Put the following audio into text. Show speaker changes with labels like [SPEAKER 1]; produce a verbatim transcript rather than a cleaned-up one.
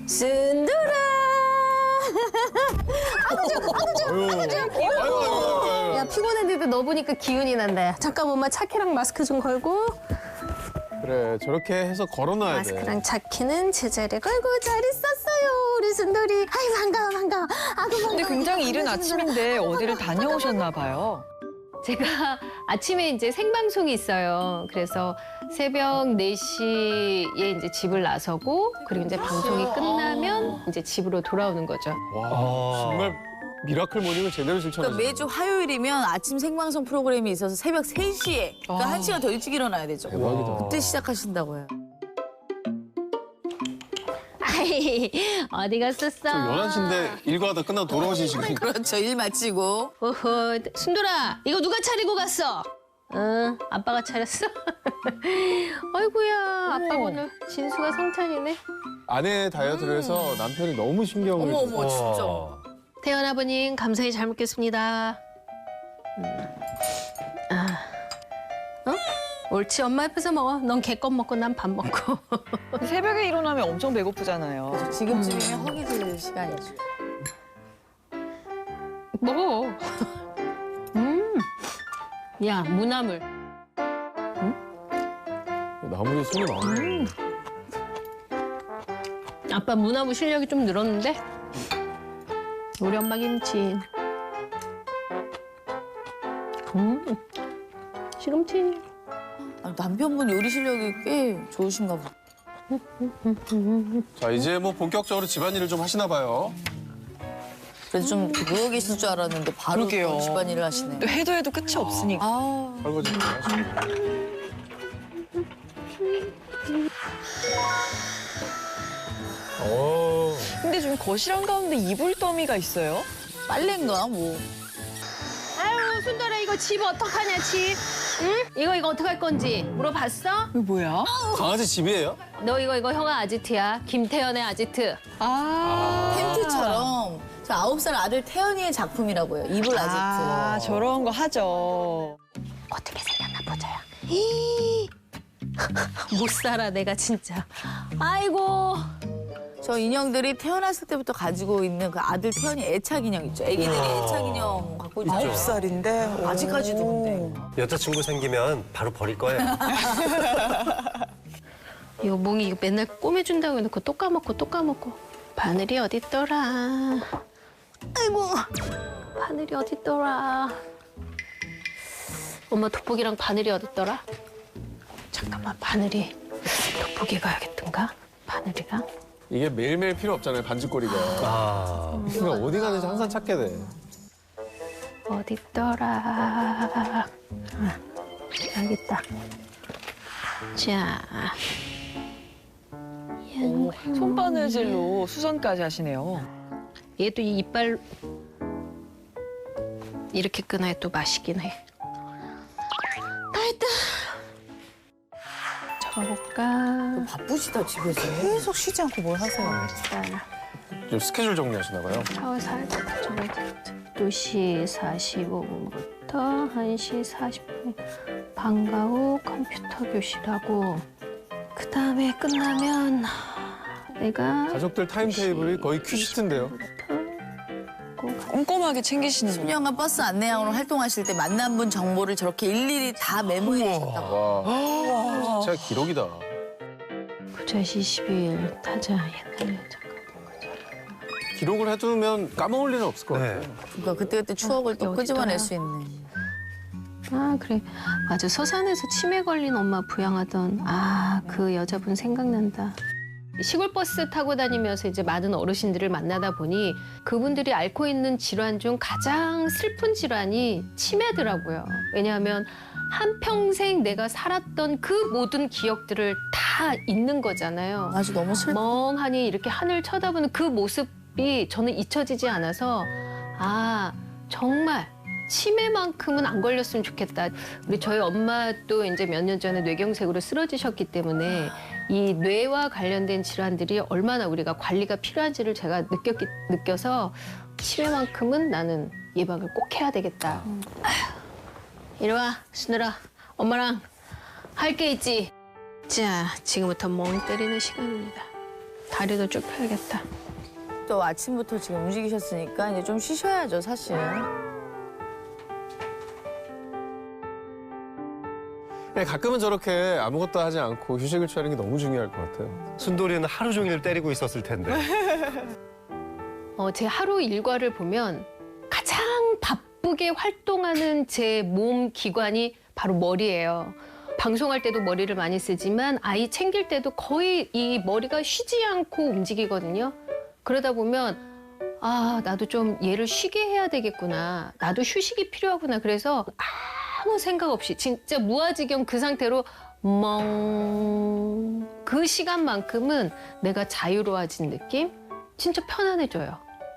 [SPEAKER 1] 순돌아. 야, 피곤했는데 너 보니까 기운이 난다. 야. 잠깐 엄마 차키랑 마스크 좀 걸고.
[SPEAKER 2] 그래, 저렇게 해서 걸어놔야 돼.
[SPEAKER 1] 마스크랑 차키는 제자리에 걸고 잘 있었어요, 우리 순돌이. 아이, 반가워, 반가워. 아구 반가워.
[SPEAKER 3] 근데 굉장히 이른 아침인데 어디를 다녀오셨나 봐요.
[SPEAKER 1] 제가 아침에 이제 생방송이 있어요. 그래서 새벽 네 시에 이제 집을 나서고, 그리고 이제 방송이 끝나면 이제 집으로 돌아오는 거죠.
[SPEAKER 2] 와, 정말 미라클 모닝을 제대로 실천하시네.
[SPEAKER 4] 그러니까 매주 화요일이면 아침 생방송 프로그램이 있어서 새벽 세 시에 그러니까
[SPEAKER 3] 아.
[SPEAKER 4] 한 시간 더 일찍 일어나야 되죠.
[SPEAKER 2] 대박이다.
[SPEAKER 4] 그때 시작하신다고요.
[SPEAKER 1] 아이, 어디 갔었어?
[SPEAKER 2] 저 열한 시인데 일과 다 끝나고 돌아오신 시간.
[SPEAKER 4] 그렇죠. 일 마치고.
[SPEAKER 1] 어허, 순돌아, 이거 누가 차리고 갔어? 응, 아빠가 차렸어. 아이고야, 아빠 오늘 진수가 성찬이네.
[SPEAKER 2] 아내의 다이어트를 해서 남편이 너무 신경을
[SPEAKER 4] 어머
[SPEAKER 2] 써서.
[SPEAKER 4] 어머 진짜.
[SPEAKER 1] 태연 아버님, 감사히 잘 먹겠습니다. 음. 아, 어? 옳지, 엄마 옆에서 먹어. 넌 개껌 먹고 난 밥 먹고.
[SPEAKER 3] 새벽에 일어나면 엄청 배고프잖아요.
[SPEAKER 4] 지금쯤이면 허기 들 시간이죠.
[SPEAKER 1] 먹어. 음, 야, 무나물.
[SPEAKER 2] 나물에 손이 많네.
[SPEAKER 1] 음. 아빠 무나물 실력이 좀 늘었는데? 우리 엄마 김치. 음, 시금치.
[SPEAKER 4] 아, 남편분 요리 실력이 꽤 좋으신가 보다.
[SPEAKER 2] 자, 이제 뭐 본격적으로 집안일을 좀 하시나 봐요.
[SPEAKER 4] 그래서 좀 누워 계실 줄 알았는데 바로
[SPEAKER 3] 그러게요.
[SPEAKER 4] 또 집안일을 하시네.
[SPEAKER 3] 또 해도 해도 끝이 없으니까.
[SPEAKER 4] 아,
[SPEAKER 2] 설거지 좀 하시고. 오.
[SPEAKER 3] 근데 좀 거실 한가운데 이불 더미가 있어요.
[SPEAKER 4] 빨래인가 뭐.
[SPEAKER 1] 아유, 순돌아, 이거 집 어떡하냐, 집. 응? 이거, 이거 어떡할 건지 물어봤어?
[SPEAKER 3] 이거 뭐야?
[SPEAKER 2] 강아지 집이에요?
[SPEAKER 1] 너 이거, 이거 형아 아지트야. 김태연의 아지트.
[SPEAKER 3] 아.
[SPEAKER 4] 팬티처럼 저 아홉 살 아들 태연이의 작품이라고요. 이불 아지트.
[SPEAKER 3] 아, 저런 거 하죠.
[SPEAKER 1] 어떻게 생겼나 보자요. 히. 못 살아, 내가 진짜. 아이고.
[SPEAKER 4] 저 인형들이 태어났을 때부터 가지고 있는 그 아들 태연이 애착 인형 있죠. 애기들이 애착 인형 갖고 있죠.
[SPEAKER 5] 아홉
[SPEAKER 3] 살인데
[SPEAKER 4] 아직까지도 근데.
[SPEAKER 5] 여자친구 생기면 바로 버릴 거예요.
[SPEAKER 1] 이거 몽이 이거 맨날 꼬매준다고 해놓고 또 까먹고 또 까먹고. 바늘이 어딨더라. 아이고, 바늘이 어딨더라. 엄마 돋보기랑 바늘이 어딨더라? 잠깐만, 바늘이 돋보기 가야겠던가? 바늘이랑?
[SPEAKER 2] 이게 매일매일 필요 없잖아요, 반지꼬리가.
[SPEAKER 5] 아,
[SPEAKER 2] 그러니까 어디 가는지 항상 찾게 돼.
[SPEAKER 1] 어딨더라. 아, 여기 있다. 자.
[SPEAKER 3] 오, 손바느질로 수선까지 하시네요.
[SPEAKER 1] 얘도 이 이빨 이렇게 끊어야 또 맛있긴 해. 다 했다. 잡아볼까?
[SPEAKER 4] 바쁘시다 집에서.
[SPEAKER 3] 계속 쉬지 않고 뭘 하세요?
[SPEAKER 1] 자,
[SPEAKER 2] 좀 스케줄 정리하시나 봐요.
[SPEAKER 1] 샤워 살짝 적어야 되겠다. 두 시 사십오 분부터 한 시 사십 분 방과 후 컴퓨터 교실하고 그 다음에 끝나면 내가
[SPEAKER 2] 가족들 타임테이블이 거의 퀴즈인데요.
[SPEAKER 3] 꼼꼼하게 챙기시는
[SPEAKER 4] 십 년간 버스 안내양으로 활동하실 때 만난 분 정보를 저렇게 일일이 다 메모해 주셨다고.
[SPEAKER 2] 와, 진짜 기록이다.
[SPEAKER 1] 구자 이십 일 타자 옛날 잠깐
[SPEAKER 2] 기록을 해두면 까먹을 일은 없을 것 같아요.
[SPEAKER 5] 네.
[SPEAKER 4] 그러니까 그때그때 추억을 또
[SPEAKER 1] 어디
[SPEAKER 4] 끄집어낼
[SPEAKER 1] 있더라?
[SPEAKER 4] 수 있네.
[SPEAKER 1] 아 그래 맞아 서산에서 치매 걸린 엄마 부양하던 아 그 여자분 생각난다. 시골 버스 타고 다니면서 이제 많은 어르신들을 만나다 보니 그분들이 앓고 있는 질환 중 가장 슬픈 질환이 치매더라고요. 왜냐하면 한평생 내가 살았던 그 모든 기억들을 다 잊는 거잖아요.
[SPEAKER 4] 아주 너무 슬퍼.
[SPEAKER 1] 멍하니 이렇게 하늘 쳐다보는 그 모습이 저는 잊혀지지 않아서 아 정말 치매만큼은 안 걸렸으면 좋겠다. 우리 저희 엄마도 이제 몇 년 전에 뇌경색으로 쓰러지셨기 때문에 이 뇌와 관련된 질환들이 얼마나 우리가 관리가 필요한지를 제가 느꼈기, 느껴서 치매만큼은 나는 예방을 꼭 해야 되겠다. 아휴, 이리 와, 순들아. 엄마랑 할 게 있지. 자, 지금부터 멍 때리는 시간입니다. 다리도 쭉 펴야겠다.
[SPEAKER 4] 또 아침부터 지금 움직이셨으니까 이제 좀 쉬셔야죠, 사실.
[SPEAKER 2] 네, 가끔은 저렇게 아무것도 하지 않고 휴식을 취하는 게 너무 중요할 것 같아요.
[SPEAKER 5] 순돌이는 하루 종일 때리고 있었을 텐데.
[SPEAKER 1] 어, 제 하루 일과를 보면 가장 바쁘게 활동하는 제 몸 기관이 바로 머리예요. 방송할 때도 머리를 많이 쓰지만 아이 챙길 때도 거의 이 머리가 쉬지 않고 움직이거든요. 그러다 보면 아, 나도 좀 얘를 쉬게 해야 되겠구나. 나도 휴식이 필요하구나. 그래서 아무 생각 없이 진짜 무아지경 그 상태로 멍. 그 시간만큼은 내가 자유로워진 느낌? 진짜 편안해져요.